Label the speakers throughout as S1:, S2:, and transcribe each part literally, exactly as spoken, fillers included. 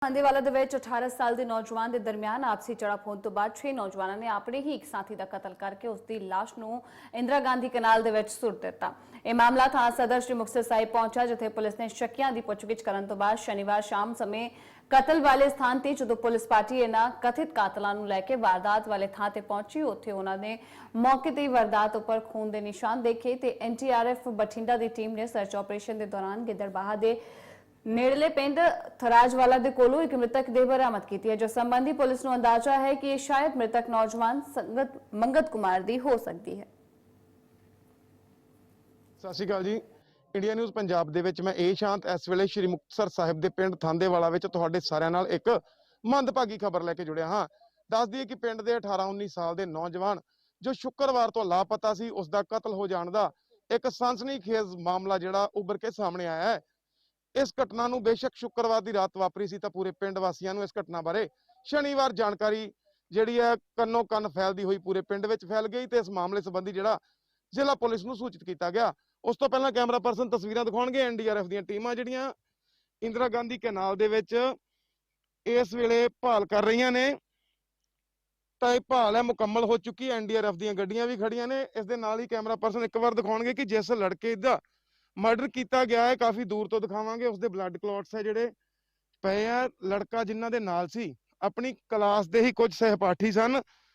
S1: हांदेवाला ਦੇ ਵਿੱਚ अठारह ਸਾਲ ਦੇ ਨੌਜਵਾਨ ਦੇ ਦਰਮਿਆਨ ਆਪਸੀ ਝੜਪ ਹੋਣ ਤੋਂ ਬਾਅਦ ਛੇ ਨੌਜਵਾਨਾਂ ਨੇ ਆਪਣੇ ਹੀ ਇੱਕ ਸਾਥੀ ਦਾ ਕਤਲ ਕਰਕੇ ਉਸ ਦੀ ਲਾਸ਼ ਨੂੰ ਇੰਦਰਾ ਗਾਂਧੀ ਕਨਾਲ ਦੇ ਵਿੱਚ ਸੁੱਟ ਦਿੱਤਾ। ਇਹ ਮਾਮਲਾ ਥਾਣਾ ਸਦਰ ਸ਼੍ਰੀ ਮੁਕਤਸਰ ਸਾਹਿਬ ਪਹੁੰਚਾ, ਜਿੱਥੇ ਪੁਲਿਸ ਨੇ ਸ਼ੱਕੀਆਂ ਦੀ ਪੁੱਛਗਿੱਛ ਕਰਨ ਤੋਂ ਬਾਅਦ ਸ਼ਨੀਵਾਰ ਸ਼ਾਮ ਸਮੇਂ ਕਤਲ ਵਾਲੇ ਸਥਾਨ ਤੇ ਜਦੋਂ ਪੁਲਿਸ ਪਾਰਟੀ ਇਹਨਾਂ ਕਥਿਤ ਕਾਤਲਾਂ ਨੂੰ ਲੈ ਕੇ ਵਾਰਦਾਤ ਵਾਲੇ ਥਾਂ ਤੇ ਪਹੁੰਚੀ, ਉੱਥੇ ਉਹਨਾਂ ਨੇ ਮੌਕੇ ਤੇ ਵਾਰਦਾਤ ਉੱਪਰ ਖੂਨ ਦੇ ਨਿਸ਼ਾਨ ਦੇਖੇ ਤੇ N T R F Bathinda ਦੀ ਟੀਮ ਨੇ ਸਰਚ ਆਪਰੇਸ਼ਨ ਦੇ ਦੌਰਾਨ ਗਿੱਦੜਬਾਹਾ ਦੇ नेड़ले पिंड थराजवाला दे कोलों एक मृतक देह बरामद की है, जो संबंधी पुलिस को अंदाजा है कि शायद मृतक नौजवान संगत मंगत कुमार दी हो सकती है।
S2: सत श्री अकाल जी, इंडिया न्यूज़ पंजाब दे विच मैं ए शांत इस वेले श्री मुक्तसर साहिब दे पिंड थांदेवाला विच तुहाडे सारिਆਂ नाल एक मंदभागी खबर लैके जुड़िया हाँ। दस दईए कि पिंड दे अठारह उन्नीस साल दे नौजवान जो शुक्रवार तो लापता सी, उसका कतल हो जाने का एक सनसनीखेज मामला जिहड़ा उभर के सामने आया है। इस घटना नूं बेशक शुक्रवार की रात वापरी सी, तो पूरे पिंड वासियों नूं इस घटना बारे शनिवार जानकारी जिहड़ी है कन्नो कन फैलदी हुई पूरे पिंड विच फैल गई ते इस मामले संबंधी जिहड़ा जिला पुलिस नूं सूचित किया गया। उस तो पहला कैमरा पर्सन तस्वीरां दिखाउणगे एन डी आर एफ दीयां टीमां जिहड़ियां इंदिरा गांधी कैनाल दे विच इस वेले भाल कर रही ने, तो यह भाल है मुकम्मल हो चुकी है। एन डी आर एफ दीयां गड्डियां भी खड़ियां ने। इस दे नाल ही कैमरा पर्सन एक बार दिखाउणगे कि जिस लड़के दा मर्डर किया गया है, काफ़ी दूर तो दिखावांगे, उसके ब्लड क्लॉट्स है जिहड़े पे है। लड़का जिन्हां दे नाल सी अपनी क्लास दे ही कुछ सहपाठी सन,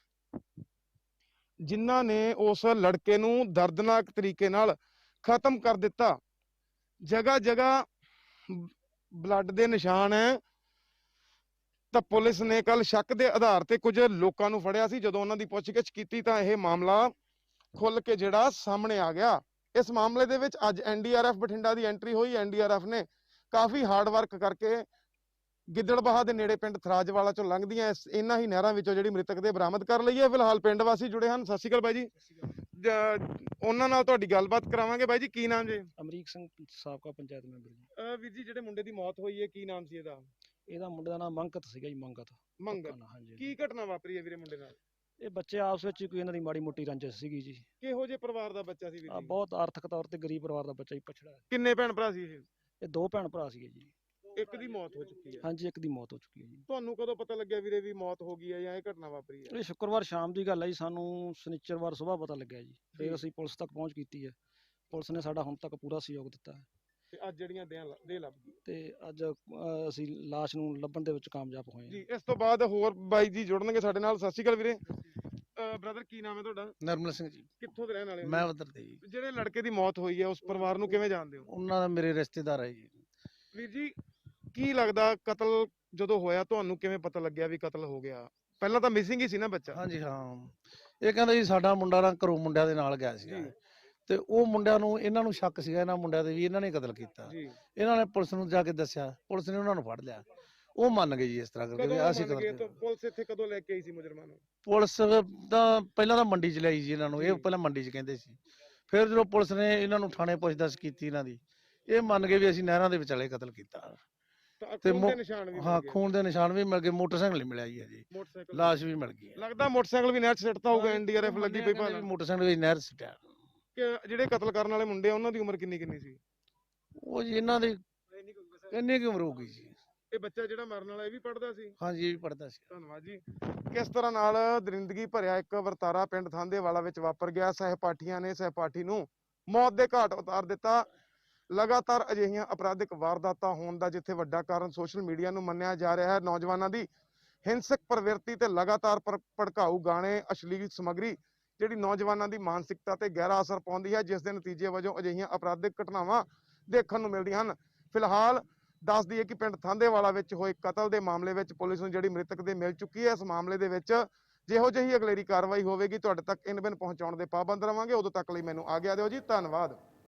S2: जिन्हां ने उस लड़के नूं दर्दनाक तरीके नाल खत्म कर दिता। जगह जगह ब्लड दे निशान है। तो पुलिस ने कल शक के आधार पर कुछ लोगों नूं फड़िया सी। जदों उन्हां दी पुछगिछ कीती तां इह मामला खुल के जिहड़ा सामने आ गया। इस मामले दे विच अज N D R F Bathinda की एंट्री हुई। एन डी आर एफ ने काफ़ी हार्ड वर्क करके गिद्दड़बाहा दे नेड़े पिंड थराजवाला चों लंघदियां इन्हां ही नहरां विचों जिहड़ी मृतक दे बरामद कर लई है। फिलहाल पिंड वासी जुड़े हैं। सत श्री अकाल बाई जी, उन्हां नाल तुहाडी गलबात करावांगे। बाई जी की नाम जी?
S3: अमरीक सिंह, साबका पंचायत मैंबर जी।
S2: अ वीर जी, जिहड़े मुंडे दी मौत होई है की नाम सी इहदा?
S3: ਇਹਦਾ ਮੁੰਡੇ ਦਾ ਨਾਮ ਮੰਗਤ ਸੀਗਾ ਜੀ। ਮੰਗਤ
S2: ਮੰਗਤ।
S3: ਹਾਂਜੀ।
S2: ਕੀ ਘਟਨਾ ਵਾਪਰੀ ਹੈ ਵੀਰੇ ਮੁੰਡੇ ਨਾਲ?
S3: ਇਹ ਬੱਚੇ ਆਪਸ ਵਿੱਚ ਕੋਈ ਇਹਨਾਂ ਦੀ ਮਾੜੀ ਮੋਟੀ ਰੰਜਿਸ਼ ਸੀਗੀ ਜੀ।
S2: ਕਿਹੋ ਜਿਹੇ ਪਰਿਵਾਰ ਦਾ ਬੱਚਾ ਸੀ ਵੀਰ
S3: ਆ
S2: ਜੀ?
S3: ਬਹੁਤ ਆਰਥਿਕ ਤੌਰ ਤੇ ਗਰੀਬ ਪਰਿਵਾਰ ਦਾ ਬੱਚਾ ਹੀ ਪਛੜਾ ਹੈ।
S2: ਕਿੰਨੇ ਭੈਣ ਭਰਾ ਸੀ ਇਹ?
S3: ਇਹ ਦੋ ਭੈਣ ਭਰਾ ਸੀਗੇ ਜੀ।
S2: ਇੱਕ ਦੀ ਮੌਤ ਹੋ ਚੁੱਕੀ ਹੈ?
S3: ਹਾਂਜੀ, ਇੱਕ ਦੀ ਮੌਤ ਹੋ ਚੁੱਕੀ ਹੈ ਜੀ।
S2: ਤੁਹਾਨੂੰ ਕਦੋਂ ਪਤਾ ਲੱਗਿਆ ਵੀਰੇ ਵੀ ਮੌਤ ਹੋ ਗਈ ਹੈ ਜਾਂ ਇਹ ਘਟਨਾ ਵਾਪਰੀ ਹੈ?
S3: ਇਹ ਸ਼ੁੱਕਰਵਾਰ ਸ਼ਾਮ ਦੀ ਗੱਲ ਹੈ ਜੀ। ਸਾਨੂੰ ਸ਼ਨੀਚਰਵਾਰ ਸਵੇਰ ਪਤਾ ਲੱਗਿਆ ਜੀ। ਫਿਰ ਅਸੀਂ ਪੁਲਿਸ ਤੱਕ ਪਹੁੰਚ ਕੀਤੀ ਹੈ। ਪੁਲਿਸ ਨੇ ਸਾਡਾ ਹੁਣ ਤੱਕ ਪੂਰਾ ਸਹਿਯੋਗ ਦਿੱਤਾ ਹੈ
S2: ਤੇ ਅੱਜ ਜਿਹੜੀਆਂ ਦੇਹ ਦੇਹ ਲੱਭ ਗਈ
S3: ਤੇ ਅੱਜ ਅ, ਅਸੀਂ ਲਾਸ਼ ਨੂੰ ਲੱਭਣ ਦੇ ਵਿੱਚ ਕਾਮਯਾਬ ਹੋਏ ਹਾਂ
S2: ਜੀ। ਇਸ ਤੋਂ ਬਾਅਦ ਹੋਰ ਬਾਈ ਜੀ ਜੁੜਨਗੇ ਸਾਡੇ ਨਾਲ। ਸਤਿ ਸ਼੍ਰੀ ਅਕਾਲ ਵੀਰੇ। ਬ੍ਰਦਰ ਕੀ ਨਾਮ ਹੈ ਤੁਹਾਡਾ?
S4: ਨਰਮਲ ਸਿੰਘ ਜੀ।
S2: ਕਿੱਥੋਂ ਦੇ ਰਹਿਣ ਵਾਲੇ ਹੋ?
S4: ਮੈਂ ਉਧਰ ਦੇ ਜੀ।
S2: ਜਿਹੜੇ ਲੜਕੇ ਦੀ ਮੌਤ ਹੋਈ ਹੈ ਉਸ ਪਰਿਵਾਰ ਨੂੰ ਕਿਵੇਂ ਜਾਣਦੇ ਹੋ?
S4: ਉਹਨਾਂ ਦਾ ਮੇਰੇ ਰਿਸ਼ਤੇਦਾਰ ਹੈ ਜੀ।
S2: ਵੀਰ ਜੀ ਕੀ ਲੱਗਦਾ ਕਤਲ ਜਦੋਂ ਹੋਇਆ ਤੁਹਾਨੂੰ ਕਿਵੇਂ ਪਤਾ ਲੱਗਿਆ ਵੀ ਕਤਲ ਹੋ ਗਿਆ? ਪਹਿਲਾਂ ਤਾਂ ਮਿਸਿੰਗ ਹੀ ਸੀ ਨਾ ਬੱਚਾ।
S4: ਹਾਂਜੀ ਹਾਂ। ਇਹ ਕਹਿੰਦਾ ਜੀ ਸਾਡਾ ਮੁੰਡਾ ਨਾ ਘਰੋਂ ਮੁੰਡਿਆਂ ਦੇ ਨਾਲ ਗਿਆ ਸੀ ਤੇ ਉਹ ਮੁੰਡਿਆਂ ਨੂੰ ਇਹਨਾਂ ਨੂੰ ਸ਼ੱਕ ਸੀਗਾ ਇਹਨਾਂ ਮੁੰਡਿਆਂ ਦੇ ਵੀ ਇਹਨਾਂ ਨੇ ਕਤਲ ਕੀਤਾ।
S2: ਜੀ।
S4: ਇਹਨਾਂ ਨੇ ਪੁਲਿਸ ਨੂੰ ਜਾ ਕੇ ਦੱਸਿਆ, ਪੁਲਿਸ ਨੇ ਉਹਨਾਂ ਨੂੰ ਫੜ ਲਿਆ। ਉਹ ਮੰਨ ਗਏ ਜੀ ਇਸ ਤਰ੍ਹਾਂ ਕਰਕੇ ਵੀ ਅਸੀਂ ਕਤਲ ਕੀਤਾ।
S2: ਪੁਲਿਸ ਇੱਥੇ ਕਦੋਂ ਲੈ ਕੇ ਆਈ ਸੀ ਮੁਜਰਮਾਂ ਨੂੰ?
S4: ਪੁਲਿਸ ਤਾਂ ਪਹਿਲਾਂ ਤਾਂ ਮੰਡੀ ਚ ਲਿਆਈ ਜੀ ਇਹਨਾਂ ਨੂੰ। ਇਹ ਪਹਿਲਾਂ ਮੰਡੀ ਚ ਕਹਿੰਦੇ ਸੀ, ਫਿਰ ਜਦੋਂ ਪੁਲਿਸ ਨੇ ਇਹਨਾਂ ਨੂੰ ਥਾਣੇ ਪੁੱਛਦਛ ਕੀਤੀ ਇਹਨਾਂ ਦੀ, ਇਹ ਮੰਨ ਗਏ ਵੀ ਅਸੀਂ ਨਹਿਰਾਂ ਦੇ ਵਿਚਾਲੇ ਕਤਲ ਕੀਤਾ।
S2: ਤੇ ਖੂਨ ਦੇ ਨਿਸ਼ਾਨ ਵੀ?
S4: ਹਾਂ, ਖੂਨ ਦੇ ਨਿਸ਼ਾਨ ਵੀ ਮਿਲ ਗਏ। ਮੋਟਰਸਾਈਕਲ ਨਹੀਂ ਮਿਲਿਆ ਜੀ ਅਜੇ।
S2: ਮੋਟਰਸਾਈਕਲ
S4: ਲਾਸ਼ ਵੀ ਮਿਲ ਗਈ।
S2: ਲੱਗਦਾ ਮੋਟਰਸਾਈਕਲ ਵੀ ਨਹਿਰ ਚ ਸਿੱਟਦਾ ਹੋਊਗਾ। ਐਨ ਡੀ ਆਰ ਐਫ ਲੱਗੀ ਪਈ ਭਾਲ।
S4: ਮੋਟਰਸਾਈਕਲ ਵੀ ਨਹਿਰ ਸਿੱਟਿਆ।
S2: ਕਿ ਜਿਹੜੇ ਕਤਲ ਕਰਨ ਵਾਲੇ ਮੁੰਡੇ ਆ ਉਹਨਾਂ ਦੀ ਉਮਰ ਕਿੰਨੀ ਕਿੰਨੀ ਸੀ?
S4: ਉਹ ਜੀ ਇਹਨਾਂ ਦੀ ਇੰਨੀ ਕੁ ਉਮਰ ਹੋ ਗਈ ਜੀ।
S2: ਇਹ ਬੱਚਾ ਜਿਹੜਾ ਮਰਨ ਵਾਲਾ ਇਹ ਵੀ ਪੜਦਾ ਸੀ?
S4: ਹਾਂਜੀ, ਇਹ ਵੀ ਪੜਦਾ ਸੀ।
S2: ਧੰਨਵਾਦ ਜੀ। ਕਿਸ ਤਰ੍ਹਾਂ ਨਾਲ ਦਰਿੰਦਗੀ ਭਰਿਆ ਇੱਕ ਵਰਤਾਰਾ ਪਿੰਡ ਥਾਂਦੇਵਾਲਾ ਵਿੱਚ ਵਾਪਰ ਗਿਆ। ਸਹਿਪਾਠੀਆਂ ਨੇ ਸਹਿਪਾਠੀ ਨੂੰ ਮੌਤ ਦੇ ਘਾਟ ਉਤਾਰ ਦਿੱਤਾ। ਲਗਾਤਾਰ ਅਜਿਹੀਆਂ ਅਪਰਾਧਿਕ ਵਾਰਦਾਤਾਂ ਹੋਣ ਦਾ ਜਿੱਥੇ ਵੱਡਾ ਕਾਰਨ ਸੋਸ਼ਲ ਮੀਡੀਆ ਨੂੰ ਮੰਨਿਆ ਜਾ ਰਿਹਾ ਹੈ, ਨੌਜਵਾਨਾਂ ਦੀ ਹਿੰਸਕ ਪ੍ਰਵਿਰਤੀ ਤੇ ਲਗਾਤਾਰ ਭੜਕਾਊ ਗਾਣੇ, ਅਸ਼ਲੀਲ ਸਮੱਗਰੀ ਜਿਹੜੀ ਨੌਜਵਾਨਾਂ ਦੀ ਮਾਨਸਿਕਤਾ ਤੇ ਗਹਿਰਾ ਅਸਰ ਪਾਉਂਦੀ ਹੈ, ਜਿਸ ਦੇ ਨਤੀਜੇ ਵਜੋਂ ਅਜਿਹੀਆਂ ਅਪਰਾਧਿਕ ਘਟਨਾਵਾਂ ਦੇਖਣ ਨੂੰ ਮਿਲਦੀਆਂ ਹਨ। ਫਿਲਹਾਲ ਦੱਸ ਦਈਏ ਕਿ ਪਿੰਡ ਥਾਂਦੇਵਾਲਾ ਵਿੱਚ ਹੋਏ ਕਤਲ ਦੇ ਮਾਮਲੇ ਵਿੱਚ ਪੁਲਿਸ ਨੂੰ ਜਿਹੜੀ ਮ੍ਰਿਤਕ ਦੇ ਮਿਲ ਚੁੱਕੀ ਹੈ। ਇਸ ਮਾਮਲੇ ਦੇ ਵਿੱਚ ਜਿਹੋ ਜਿਹੀ ਅਗਲੇਰੀ ਕਾਰਵਾਈ ਹੋਵੇਗੀ ਤੁਹਾਡੇ ਤੱਕ ਇਨ ਬਿਨ ਪਹੁੰਚਾਉਣ ਦੇ ਪਾਬੰਦ ਰਵਾਂਗੇ। ਉਦੋਂ ਤੱਕ ਲਈ ਮੈਨੂੰ ਆਗਿਆ ਦਿਓ ਜੀ। ਧੰਨਵਾਦ।